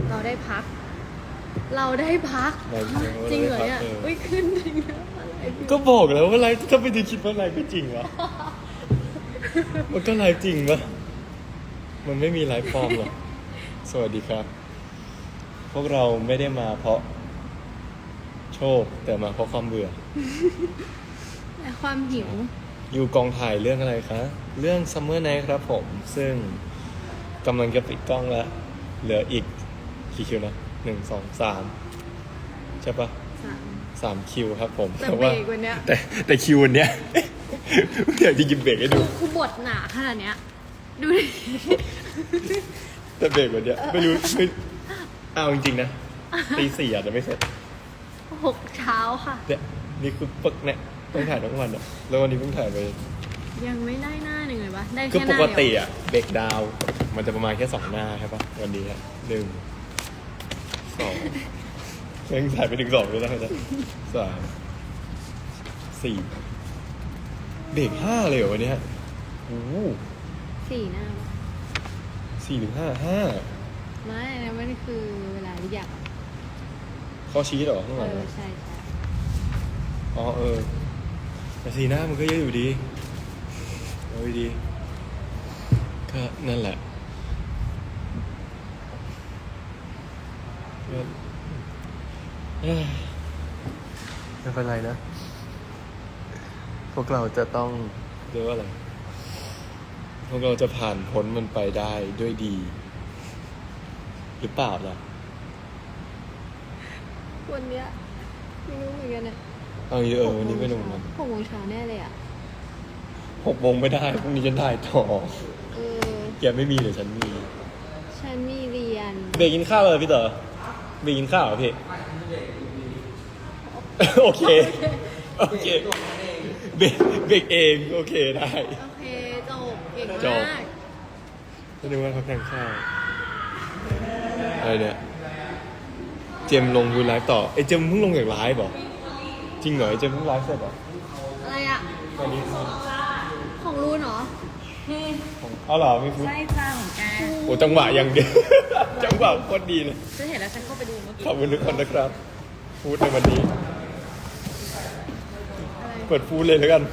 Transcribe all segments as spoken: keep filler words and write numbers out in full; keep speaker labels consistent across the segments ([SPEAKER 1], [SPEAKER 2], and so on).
[SPEAKER 1] เราได้พัก เราได้พักจริงเหรอเนี่ยอุ้ยขึ้นจริงนะ
[SPEAKER 2] ก็บอกแล้วว่าไลฟ์ถ้าไม่ได้คิดว่าไลฟ์ไม่จริงวะมันก็ไลฟ์จริงปะมันไม่มีไลฟ์ฟอร์มหรอกสวัสดีครับพวกเราไม่ได้มาเพราะโชคแต่มาเพราะความเบื่อ
[SPEAKER 1] และความหิว
[SPEAKER 2] อยู่กองถ่ายเรื่องอะไรคะเรื่อง Summer Night ครับผมซึ่งกำลังจะปิดกล้องแล้วเหลืออีกกี่คิวนะหนึ่งสองสามใช่ปะ
[SPEAKER 1] สาม
[SPEAKER 2] สามคิวครับผม
[SPEAKER 1] แต่เบรกวันเนี้ย
[SPEAKER 2] แต่แต่คิววันเนี้ยเดี๋ยวจะกินเบรกให้ดู
[SPEAKER 1] คือบทหนาขนาดเนี้ยดูดิ
[SPEAKER 2] แต่เบรกวันเนี้ยไม่รู้ไม่เอาจริงๆนะตีสี่อาจจะไม่เสร็จ
[SPEAKER 1] หกเช้าค่ะ
[SPEAKER 2] เนี่ยนี่คือปึกเนี่ยต้องถ่ายทั้งวันอ่ะแล้ววันนี้เพิ่งถ่ายไป
[SPEAKER 1] ยังไม่ได้หน้าหนึ่งเลยปะได้แค่หน้า
[SPEAKER 2] เดียวคือปกติอ่ะเบรกดาวมันจะประมาณแค่สองหน้าใช่ปะวันนี้หนึ่งสองยังถ่ายไปถึงสองเลยนะสามสี่เบรกห้าเลยเหรอวันนี้โอ้
[SPEAKER 1] สี่หน้า
[SPEAKER 2] สี่ถึงห้าห้า
[SPEAKER 1] ไม่นะมันคือเวลาเรียก
[SPEAKER 2] ข้อชี้เหรอข้างหลัง
[SPEAKER 1] ใช่ใช่
[SPEAKER 2] อ๋อเออแต่สี่หน้ามันก็เยอะอยู่ดีเอาดีก็นั่นแหละไม่เป็นไรนะพวกเราจะต้องเรียกว่าอะไรพวกเราจะผ่านพ้นมันไปได้ด้วยดีหรือเปล่าล่ะ
[SPEAKER 1] วันเนี้ยไม่รู้เหมือนกันเนี่ย
[SPEAKER 2] เอาเยอะวันนี้ไม่รู้เหมือนกัน
[SPEAKER 1] หกโมงเช้าแน่เลยอ่ะ
[SPEAKER 2] หกโมงไม่ได้พรุ่งนี้ฉันถ่ายต่อ
[SPEAKER 1] เออ
[SPEAKER 2] แกไม่มีเดี๋ยวฉันมี
[SPEAKER 1] ฉันมีเรียน
[SPEAKER 2] เบรกกินข้าวเลยพี่เต๋อเบรกกินข้าวเหรอพี่โอเคโอเคเบรกเบรกเองโอเคได้
[SPEAKER 1] โอเคจบเก่งมาก
[SPEAKER 2] ก็นึกว่าเขาแข่งข้าวอะไรเนี่ยเจมลงดูไลฟ์ต่อไอ้เจมเพิ่งลงจากไลฟ์เหรอจริงเหรอไอ้เจมเพิ่งไลฟ์เสร็จเหรอ
[SPEAKER 1] อะไรอ่ะของรูนเหรอ
[SPEAKER 2] เอาเหรอไม่พูด
[SPEAKER 1] ใช่จ้าของแก
[SPEAKER 2] โอ้จังหวะยังดีจังหวะโคตรดีเลย
[SPEAKER 1] ฉันเห็นแล้วฉันเข้าไปดูเมื่อกี้
[SPEAKER 2] ขอบคุณทุกคนนะครับพูดในวันนี้เปิดพูดเลยแล้วกัน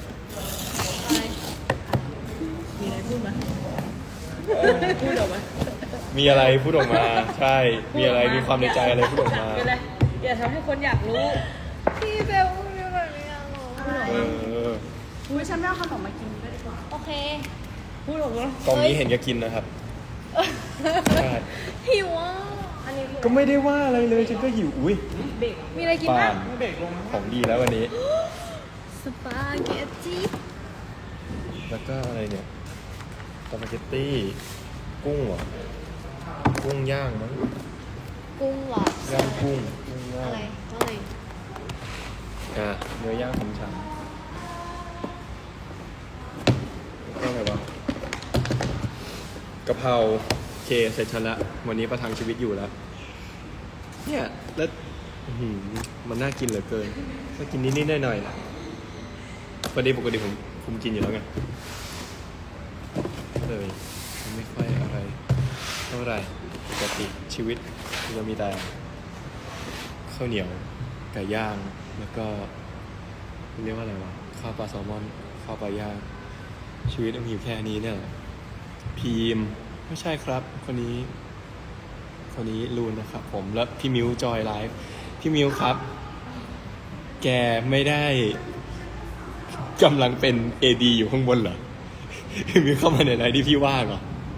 [SPEAKER 1] มีอะไรพูดไหมพูดออกมา
[SPEAKER 2] มีอะไรพูดออกมาใช่มีอะไรมีความในใจอะไรพูดออกมา
[SPEAKER 1] อย่าทำให้คนอยากรู้พี่เบลพูดแบบนี้อ่ะ
[SPEAKER 2] เออ
[SPEAKER 1] อุ้ยฉันไม่เอาขนมมากินก็ดีกว่าโอเคพูดออกมาก
[SPEAKER 2] ล่องนี้เห็นแกกินนะครับใช่
[SPEAKER 1] หิวอ่ะอันนี้
[SPEAKER 2] ก็ไม่ได้ว่าอะไรเลยฉันก็หิวอุ้ย
[SPEAKER 1] มีอะไรกินบ้าง
[SPEAKER 2] ของดีแล้ววันนี้
[SPEAKER 1] สปาเกตตี้
[SPEAKER 2] แล้วก็อะไรเนี่ยสปาเกตตี้กุ้งเหรอกุ้งย่างมั้ง
[SPEAKER 1] กุ้งหร
[SPEAKER 2] อย่างกุ้งกุ้งย่าง
[SPEAKER 1] อะไรอะไร
[SPEAKER 2] อ่ะเนื้อย่างของฉันก็อะไรวะกะเพราเคเสร็จฉันละวันนี้ประทังชีวิตอยู่แล้วเนี่ยแล้วมันน่ากินเหลือเกินก็กินนิดๆหน่อยๆนะปกติปกติผมผมกินอยู่แล้วไงเลยไม่ค่อยอะไรเท่าไหร่ปกติชีวิตเรามีแต่ข้าวเหนียวไก่ย่างแล้วก็เรียกว่าอะไรวะข้าวปลาแซลมอนข้าวปลาย่างชีวิตมันอยู่แค่นี้เนี่ยพีมไม่ใช่ครับคนนี้คนนี้ลูนนะครับผมแล้วพี่มิวจอยไลฟ์พี่มิวครับแกไม่ได้กำลังเป็น เอ ดี อยู่ข้างบนเหรอพี่มิวเข้ามาในไลฟ์ที่พี่ว่างเหรอ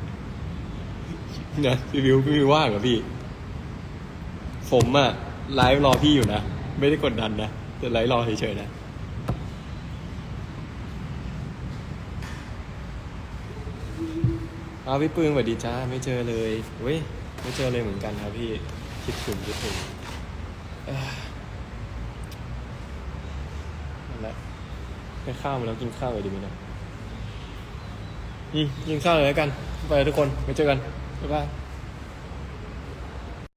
[SPEAKER 2] นะพี่มิวพี่มิวว่างเหรอพี่ผมอะไลฟ์รอพี่อยู่นะไม่ได้กดดันนะแต่ไลฟ์รอเฉยๆนะเอาพี่ปืนสวัสดีจ้าไม่เจอเลยเว้ยไม่เจอเลยเหมือนกันครับพี่คิดถึงคิดถึงนั่นแหละไปข้าวมาแล้วกินข้าวเลยดีไหมนะอืมกินข้าวเลยแล้วกันไปทุกคนไปเจอกันบ๊ายบาย